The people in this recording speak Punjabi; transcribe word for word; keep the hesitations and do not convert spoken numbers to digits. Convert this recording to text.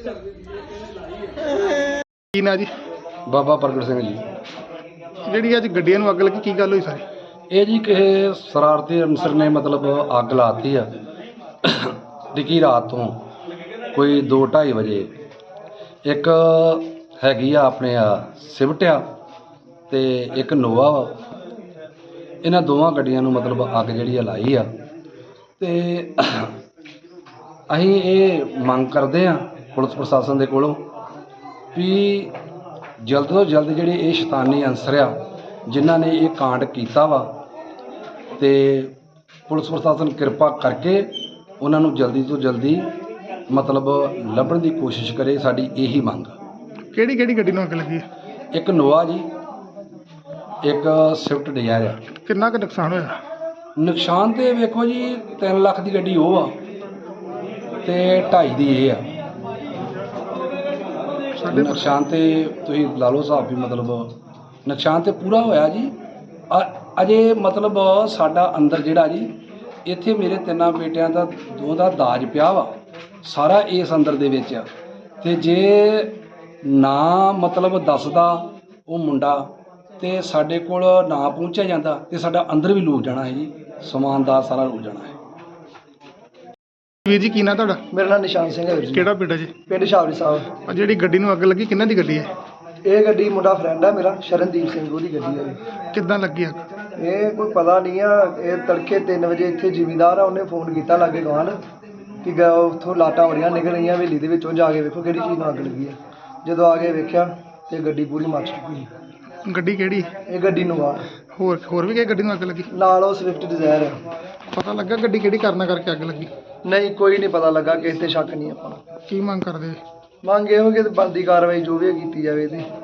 ਕੀ ਨਾਂ ਜੀ? ਬਾਬਾ ਪ੍ਰਗਟ ਸਿੰਘ ਜੀ। ਜਿਹੜੀ ਅੱਜ ਗੱਡੀਆਂ ਨੂੰ ਅੱਗ ਲੱਗੀ, ਕੀ ਗੱਲ ਹੋਈ ਸਾਰੀ? ਇਹ ਜੀ ਕਿਸੇ ਸ਼ਰਾਰਤੀ ਅਨਸਰ ਨੇ ਮਤਲਬ ਅੱਗ ਲਾਤੀ ਆ ਟਿੱਕੀ ਰਾਤ ਤੋਂ ਕੋਈ ਦੋ ਢਾਈ ਵਜੇ। ਇੱਕ ਹੈਗੀ ਆ ਆਪਣੇ ਆ ਸਿਵਟ ਆ ਅਤੇ ਇੱਕ ਨੋਵਾ ਵਾ। ਇਹਨਾਂ ਦੋਵਾਂ ਗੱਡੀਆਂ ਨੂੰ ਮਤਲਬ ਅੱਗ ਜਿਹੜੀ ਆ ਲਾਈ ਆ। ਅਤੇ ਅਸੀਂ ਇਹ ਮੰਗ ਕਰਦੇ ਹਾਂ ਪੁਲਿਸ ਪ੍ਰਸ਼ਾਸਨ ਦੇ ਕੋਲੋਂ ਵੀ ਜਲਦ ਤੋਂ ਜਲਦ ਜਿਹੜੇ ਇਹ ਸ਼ੈਤਾਨੀ ਅਨਸਰ ਆ ਜਿਨ੍ਹਾਂ ਨੇ ਇਹ ਕਾਂਡ ਕੀਤਾ ਵਾ, ਅਤੇ ਪੁਲਿਸ ਪ੍ਰਸ਼ਾਸਨ ਕਿਰਪਾ ਕਰਕੇ ਉਹਨਾਂ ਨੂੰ ਜਲਦੀ ਤੋਂ ਜਲਦੀ ਮਤਲਬ ਲੱਭਣ ਦੀ ਕੋਸ਼ਿਸ਼ ਕਰੇ। ਸਾਡੀ ਇਹੀ ਮੰਗ। ਕਿਹੜੀ ਕਿਹੜੀ ਗੱਡੀ ਨੂੰ ਅੱਗ ਲੱਗੀ ਹੈ? ਇੱਕ ਨੋਵਾ ਜੀ, ਇੱਕ ਸਵਿਫਟ ਡਿਜ਼ਾਇਰ ਆ। ਕਿੰਨਾ ਕੁ ਨੁਕਸਾਨ ਹੋਇਆ? ਨੁਕਸਾਨ ਤਾਂ ਵੇਖੋ ਜੀ, ਤਿੰਨ ਲੱਖ ਦੀ ਗੱਡੀ ਉਹ ਆ ਅਤੇ ਢਾਈ ਦੀ ਇਹ ਆ। ਸਾਡੇ ਨੁਕਸਾਨ ਤੇ ਤੁਸੀਂ ਲਾ ਲਓ ਹਿਸਾਬ ਵੀ, ਮਤਲਬ ਨੁਕਸਾਨ ਤੇ ਪੂਰਾ ਹੋਇਆ ਜੀ। ਅ- ਅਜੇ ਮਤਲਬ ਸਾਡਾ ਅੰਦਰ ਜਿਹੜਾ ਜੀ, ਇੱਥੇ ਮੇਰੇ ਤਿੰਨਾਂ ਬੇਟਿਆਂ ਦਾ ਦੋ ਦਾ ਦਾਜ ਪਿਆ ਵਾ ਸਾਰਾ ਇਸ ਅੰਦਰ ਦੇ ਵਿੱਚ ਆ। ਅਤੇ ਜੇ ਨਾ ਮਤਲਬ ਦੱਸਦਾ ਉਹ ਮੁੰਡਾ ਅਤੇ ਸਾਡੇ ਕੋਲ ਨਾ ਪਹੁੰਚਿਆ ਜਾਂਦਾ ਅਤੇ ਸਾਡਾ ਅੰਦਰ ਵੀ ਲੁੱਟ ਜਾਣਾ ਹੈ ਜੀ, ਸਮਾਨ ਦਾ ਸਾਰਾ ਲੁੱਟ ਜਾਣਾ ਹੈ। ਵੀਰ ਜੀ, ਕੀ ਨਾਂ ਤੁਹਾਡਾ? ਮੇਰਾ ਨਾਮ ਨਿਸ਼ਾਨ ਸਿੰਘ ਹੈ ਵੀਰ ਜੀ। ਕਿਹੜਾ ਪਿੰਡ ਹੈ ਜੀ? ਪਿੰਡ ਸ਼ਾਵਰੀ ਸਾਹਿਬ। ਆ ਜਿਹੜੀ ਗੱਡੀ ਨੂੰ ਅੱਗ ਲੱਗੀ, ਕਿੰਨਾਂ ਦੀ ਗੱਡੀ ਹੈ? ਇਹ ਗੱਡੀ ਮੁੰਡਾ ਫਰੈਂਡ ਹੈ ਮੇਰਾ, ਸ਼ਰਨਦੀਪ ਸਿੰਘ, ਉਹਦੀ ਗੱਡੀ ਹੈ। ਕਿੱਦਾਂ ਲੱਗੀ ਅੱਗ? ਇਹ ਕੋਈ ਪਤਾ ਨਹੀਂ ਆ। ਇਹ ਤੜਕੇ ਤਿੰਨ ਵਜੇ ਇੱਥੇ ਜ਼ਿਮੀਂਦਾਰ ਆ, ਉਹਨੇ ਫੋਨ ਕੀਤਾ ਲਾਗੇ ਗਵਾਂਢ ਕਿ ਗਾ ਉੱਥੋਂ ਲਾਟਾਂ ਬੜੀਆਂ ਨਿਕਲ ਰਹੀਆਂ ਹਵੇਲੀ ਦੇ ਵਿੱਚੋਂ, ਜਾ ਕੇ ਵੇਖੋ ਕਿਹੜੀ ਚੀਜ਼ ਨੂੰ ਅੱਗ ਲੱਗੀ ਹੈ। ਜਦੋਂ ਆ ਕੇ ਵੇਖਿਆ ਤੇ ਗੱਡੀ ਪੂਰੀ ਮੱਚ ਚੁੱਕੀ। ਗੱਡੀ ਕਿਹੜੀ? ਇਹ ਗੱਡੀ ਨੂੰ ਆ ਹੋਰ ਹੋਰ ਵੀ ਕਿਹੜੀ ਗੱਡੀ ਨੂੰ ਅੱਗ ਲੱਗੀ? ਨਾਲ ਉਹ ਸਵਿਫਟ ਡਿਜ਼ਾਇਰ ਹੈ। ਪਤਾ ਲੱਗਾ ਗੱਡੀ ਕਿਹੜੀ ਕਾਰਨਾਂ ਕਰਕੇ ਅੱਗ ਲੱਗੀ? ਨਹੀਂ, ਕੋਈ ਨਹੀਂ ਪਤਾ ਲੱਗਾ, ਕਿਸੇ ਤੇ ਸ਼ੱਕ ਨਹੀਂ ਆਪਾਂ ਨੂੰ। ਕੀ ਮੰਗ ਕਰਦੇ? ਮੰਗ ਇਹੋ ਕਿ ਬਣਦੀ ਕਾਰਵਾਈ ਜੋ ਵੀ ਹੈ ਕੀਤੀ ਜਾਵੇ ਇਹਦੀ।